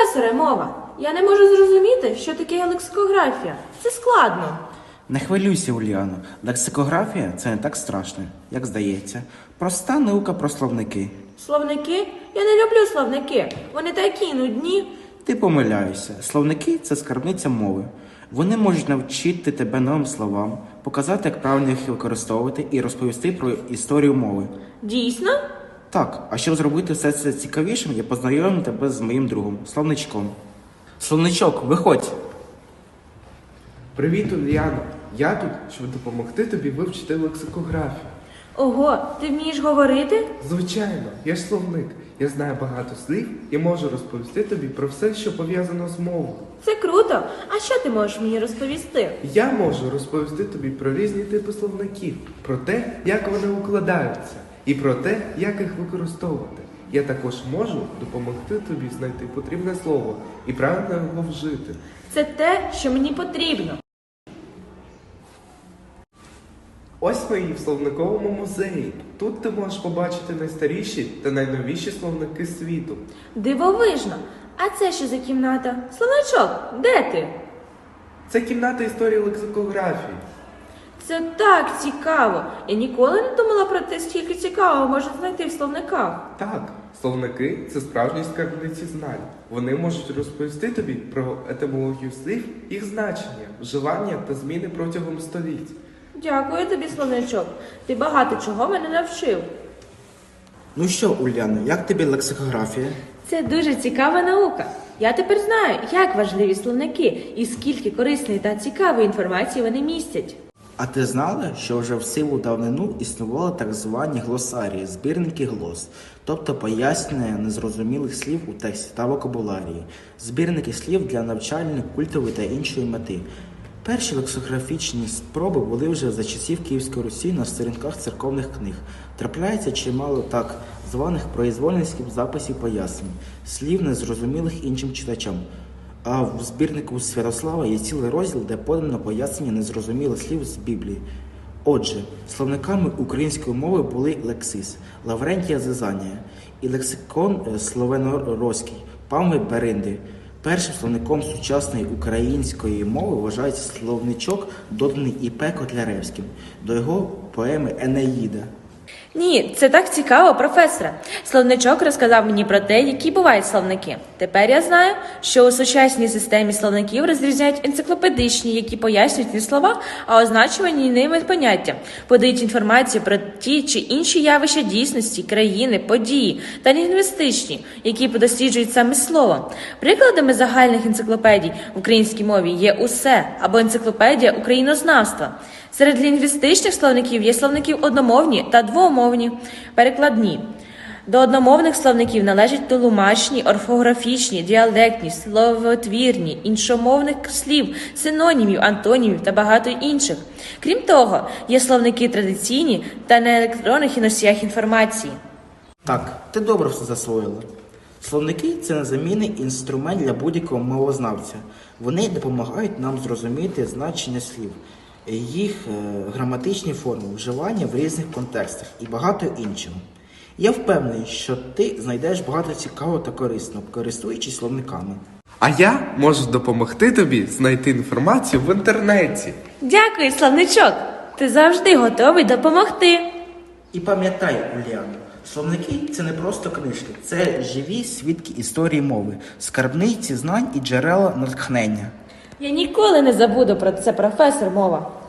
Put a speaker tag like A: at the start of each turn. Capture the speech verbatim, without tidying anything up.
A: Професоре, мова, я не можу зрозуміти, що таке лексикографія. Це складно.
B: Не хвилюйся, Ульяно. Лексикографія – це не так страшно, як здається. Проста наука про словники.
A: Словники? Я не люблю словники. Вони такі нудні.
B: Ти помиляєшся. Словники – це скарбниця мови. Вони можуть навчити тебе новим словам, показати, як правильно їх використовувати і розповісти про історію мови.
A: Дійсно?
B: Так, а щоб зробити все це цікавішим, я познайомлю тебе з моїм другом, Словничком. Словничок, виходь!
C: Привіт, Ульяно. Я тут, щоб допомогти тобі вивчити лексикографію.
A: Ого, ти вмієш говорити?
C: Звичайно, я ж словник. Я знаю багато слів і можу розповісти тобі про все, що пов'язано з мовою.
A: Це круто. А що ти можеш мені розповісти?
C: Я можу розповісти тобі про різні типи словників, про те, як вони укладаються, і про те, як їх використовувати. Я також можу допомогти тобі знайти потрібне слово і правильно його вжити.
A: Це те, що мені потрібно.
C: Ось ми і в словниковому музеї. Тут ти можеш побачити найстаріші та найновіші словники світу.
A: Дивовижно. А це що за кімната? Словничок, де ти?
C: Це кімната історії лексикографії.
A: Це так цікаво. Я ніколи не думала про те, скільки цікавого можна знайти в словниках.
C: Так, словники – це справжні скарбниці знань. Вони можуть розповісти тобі про етимологію слів, їх значення, вживання та зміни протягом століть.
A: Дякую тобі, словничок. Ти багато чого мене навчив.
B: Ну що, Уляно, як тобі лексикографія?
A: Це дуже цікава наука. Я тепер знаю, як важливі словники і скільки корисної та цікавої інформації вони містять.
B: А ти знала, що вже в сиву давнину існували так звані глосарії, збірники глос, тобто пояснення незрозумілих слів у тексті та вокабуларії, збірники слів для навчальної, культової та іншої мети. Перші лексикографічні спроби були вже за часів Київської Русі на сторінках церковних книг. Трапляється чимало так званих произвольницьких записів пояснень, слів незрозумілих іншим читачам. А в збірнику Святослава є цілий розділ, де подано пояснення незрозумілих слів з Біблії. Отже, словниками української мови були лексис Лаврентія Зизанія і лексикон словено-руський Павми Беринди. Першим словником сучасної української мови вважається словничок, доданий І П Котляревським до його поеми «Енеїда».
A: Ні, це так цікаво, професоре. Словничок розказав мені про те, які бувають словники. Тепер я знаю, що у сучасній системі словників розрізняють енциклопедичні, які пояснюють не слова, а означувані ними поняття, подають інформацію про ті чи інші явища дійсності, країни, події, та лінгвістичні, які досліджують саме слово. Прикладами загальних енциклопедій в українській мові є «Усе» або енциклопедія українознавства. Серед лінгвістичних словників є словників одномовні та двомовні, перекладні. До одномовних словників належать тлумачні, орфографічні, діалектні, словотвірні, іншомовних слів, синонімів, антонімів та багато інших. Крім того, є словники традиційні та на електронних і носіях інформації.
B: Так, ти добре все засвоїла. Словники – це незамінний інструмент для будь-якого мовознавця. Вони допомагають нам зрозуміти значення слів, їх е, граматичні форми, вживання в різних контекстах і багато іншого. Я впевнений, що ти знайдеш багато цікавого та корисного, користуючись словниками.
C: А я можу допомогти тобі знайти інформацію в інтернеті.
A: Дякую, словничок! Ти завжди готовий допомогти.
B: І пам'ятай, Уляно, словники – це не просто книжки, це живі свідки історії мови, скарбниці знань і джерела натхнення.
A: Я ніколи не забуду про це, професор, мова.